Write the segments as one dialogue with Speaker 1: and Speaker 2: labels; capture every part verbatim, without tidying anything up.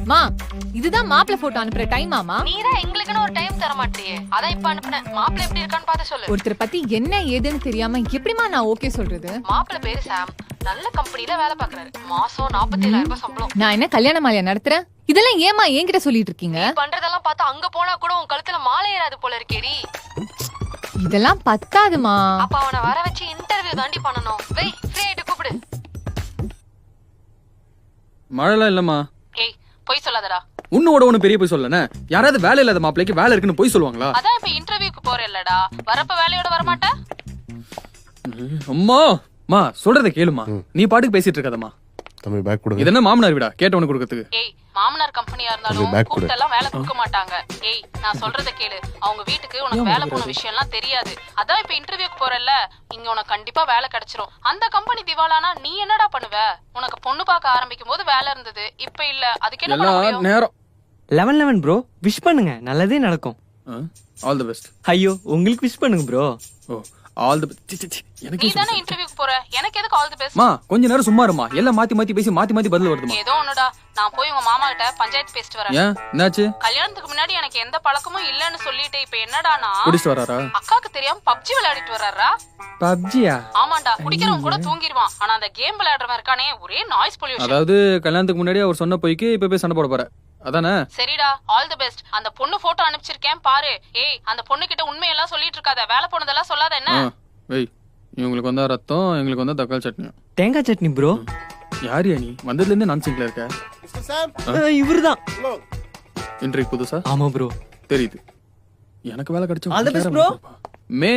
Speaker 1: மா இதுதான் மாப்பிள போட்டோ அனுப்புற டைம் ஆமா?
Speaker 2: நீதான் எங்களுக்குன்னு ஒரு டைம் தர மாட்டியே, அதான் இப்ப அனுப்புனேன். மாப்பிள எப்படி இருக்கான்னு பார்த்து சொல்லு.
Speaker 1: ஒருத்தர் பத்தி என்ன ஏதுன்னு தெரியாம எப்படிமா நான் ஓகே சொல்றது?
Speaker 2: மாப்பிள பேரு சாம், நல்ல கம்பெனில வேலை பாக்குறாரு. மாசம் நாற்பத்தி ஏழாயிரம் ரூபாய் சம்பளம்.
Speaker 1: நான் என்ன கல்யாண மாலையா நடத்துறேன்? இதெல்லாம் ஏமா என்கிட்ட சொல்லிட்டு இருக்கீங்க?
Speaker 2: பண்றதெல்லாம் பார்த்தா அங்க போனா கூட உன் கழுத்துல மாலை ஏறாது போல இருக்கேடி.
Speaker 1: இதெல்லாம் பத்தாதுமா.
Speaker 2: அப்ப அவனை வர வச்சு இன்டர்வியூ தாண்டி பண்ணணும். வெய், ஃப்ரீ ஆயிட்டு கூப்பிடு.
Speaker 3: மழைலாம் இல்லம்மா.
Speaker 2: ஏய், போய் சொல்லாதடா.
Speaker 3: உன்னோட ஒண்ணு பெரிய போய் சொல்லனே. யாராவது வேலை இல்லாத மாப்பிளைக்கு வேலை இருக்குன்னு போய் சொல்லுவாங்களா?
Speaker 2: அதான் இப்ப இன்டர்வியூக்கு போறேல்லடா, வரப்ப வேலையோட வர மாட்டே.
Speaker 3: அம்மா மா சொல்றத கேளுமா. நீ பாட்டுக்கு பேசிட்டு இருக்கதம்மா.
Speaker 4: தம்பி பேக் கொடுங்க.
Speaker 3: இது என்ன மாமனார் வீடா கேட்டவனுக்கு கொடுக்கிறதுக்கு?
Speaker 2: ஏய், மாமனார் கம்பெனியா இருந்தாலும் கூட்டெல்லாம் வேலை கொடுக்க மாட்டாங்க. ஏய், நான் சொல்றத கேளு. அவங்க வீட்டுக்கு உனக்கு வேலை போன விஷயம் எல்லாம் தெரியாது. அதான் இப்ப இன்டர்வியூக்கு போறல்ல, இங்க உனக்கு கண்டிப்பா வேலை கிடைச்சிரும். அந்த கம்பெனி திவாலானா நீ என்னடா பண்ணுவ? உனக்கு பொண்ணு பார்க்க ஆரம்பிக்கும் போது வேலை இருந்தது, இப்ப இல்ல. அதுக்கு என்ன பண்ண முடியும்?
Speaker 3: நேரம்
Speaker 5: லெவன் லெவன் ப்ரோ, விஷ் பண்ணுங்க, நல்லதே நடக்கும்.
Speaker 3: All the best.
Speaker 5: ஐயோ, உங்களுக்கு விஷ் பண்ணுங்க bro.
Speaker 3: Oh all the best. எனக்கு
Speaker 2: நீ தானே இன்டர்வியூக்கு போற, எனக்கு எதுக்கு ஆல் தி பெஸ்ட்?
Speaker 3: மா கொஞ்ச நேரம் சும்மா இருமா. எல்லாம் மாத்தி மாத்தி பேசி மாத்தி மாத்தி பதில் வருதுமா.
Speaker 2: ஏதோ ஒண்ணுடா, நான் போய் உங்க மாமா கிட்ட பஞ்சாயத்து பேசிட்டு வரேன்.
Speaker 3: ஏன் என்னாச்சு?
Speaker 2: கல்யாணத்துக்கு முன்னாடி எனக்கு எந்த பழக்கமும் இல்லன்னு சொல்லிட்டு இப்ப என்னடானா
Speaker 3: குடிச்சிட்டு வராரா?
Speaker 2: அக்காக்கு தெரியாம பப்ஜி விளையாடிட்டு வர்றாரா?
Speaker 3: பப்ஜியா?
Speaker 2: ஆமாண்டா, குடிக்கிறவன் கூட தூங்கிடுவான். ஆனா அந்த கேம் விளையாடுறவன் இருக்கானே, ஒரே நாய்ஸ் பொல்யூஷன்.
Speaker 3: அதாவது கல்யாணத்துக்கு முன்னாடி அவர் சொன்ன போய்க்கு இப்ப போய் சண்டை போட போற அதானே?
Speaker 2: சரிடா, ஆல் தி பெஸ்ட். அந்த பொண்ணு போட்டோ அனுப்பிச்சிருக்கேன் பாரு. ஏய், அந்த பொண்ணு கிட்ட உண்மையெல்லாம் சொல்லிட்டு இருக்காத, வேலை போனதெல்லாம் சொல்லாத என்ன.
Speaker 3: வெய், இவங்களுக்கு வந்தா ரத்தம், எங்களுக்கு வந்தா தக்காளி சட்னி.
Speaker 5: தேங்காய் சட்னி ப்ரோ.
Speaker 3: யார் நீ? வந்ததுல இருந்து நான் சிங்க்ல இருக்க.
Speaker 5: இவருதான்
Speaker 3: இன்றைக்கு புதுசா?
Speaker 5: ஆமா ப்ரோ.
Speaker 3: தெரியுது. எனக்கு வேலை கிடைச்சா
Speaker 5: ஆல் தி பெஸ்ட் ப்ரோ.
Speaker 3: மே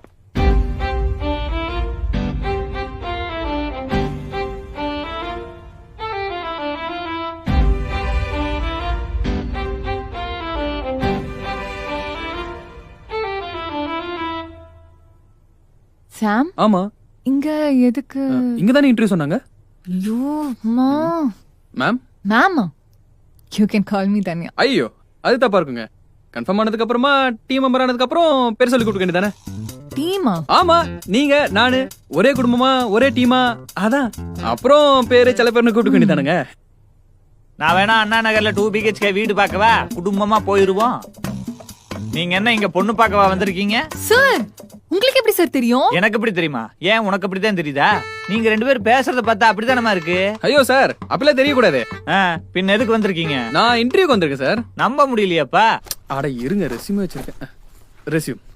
Speaker 1: சாம்,
Speaker 3: ஆமா
Speaker 1: இங்க எதுக்கு?
Speaker 3: இங்க தானே இன்டர்வியூ சொன்னாங்க.
Speaker 1: ஐயோ அம்மா.
Speaker 3: Ma'am
Speaker 1: ma'am, you can call me Dhanya.
Speaker 3: ஐயோ அது தப்பா இருக்குங்க. கன்ஃபார்ம் ஆனதுக்கு அப்புறமா டீம் மெம்பர் ஆனதுக்கு அப்புறம் பேர் சொல்லி கொடுக்க வேண்டியதானே?
Speaker 1: டீமா?
Speaker 3: ஆமா, நீங்க நானு ஒரே குடும்பமா ஒரே டீமா, அதான் அப்புறம் பேரு சில பேர்னு கூப்பிட்டு வேண்டியதானுங்க.
Speaker 6: நான் வேணா அண்ணா நகர்ல டூ பிஹெச்கே வீடு பார்க்கவா, குடும்பமா போயிருவோம். நீங்க என்ன இங்க பொண்ணு பார்க்கவா வந்திருக்கீங்க?
Speaker 1: சார், உங்களுக்கு எப்படி சார் தெரியும்?
Speaker 6: எனக்கு எப்படி தெரியுமா? ஏன் உனக்கு அப்படித்தான் தெரியுதா? நீங்க ரெண்டு பேரும் பேசுறத பார்த்தா அப்படித்தானமா இருக்கு.
Speaker 3: ஐயோ சார், அப்படிலாம் தெரியக்கூடாது.
Speaker 6: பின்ன எதுக்கு வந்திருக்கீங்க?
Speaker 3: நான் இன்டர்வியூக்கு வந்திருக்கேன் சார்.
Speaker 6: நம்ப முடியலையாப்பா?
Speaker 3: அட இருங்க, ரெஸ்யூம் வச்சிருக்கேன். ரெஸ்யூம்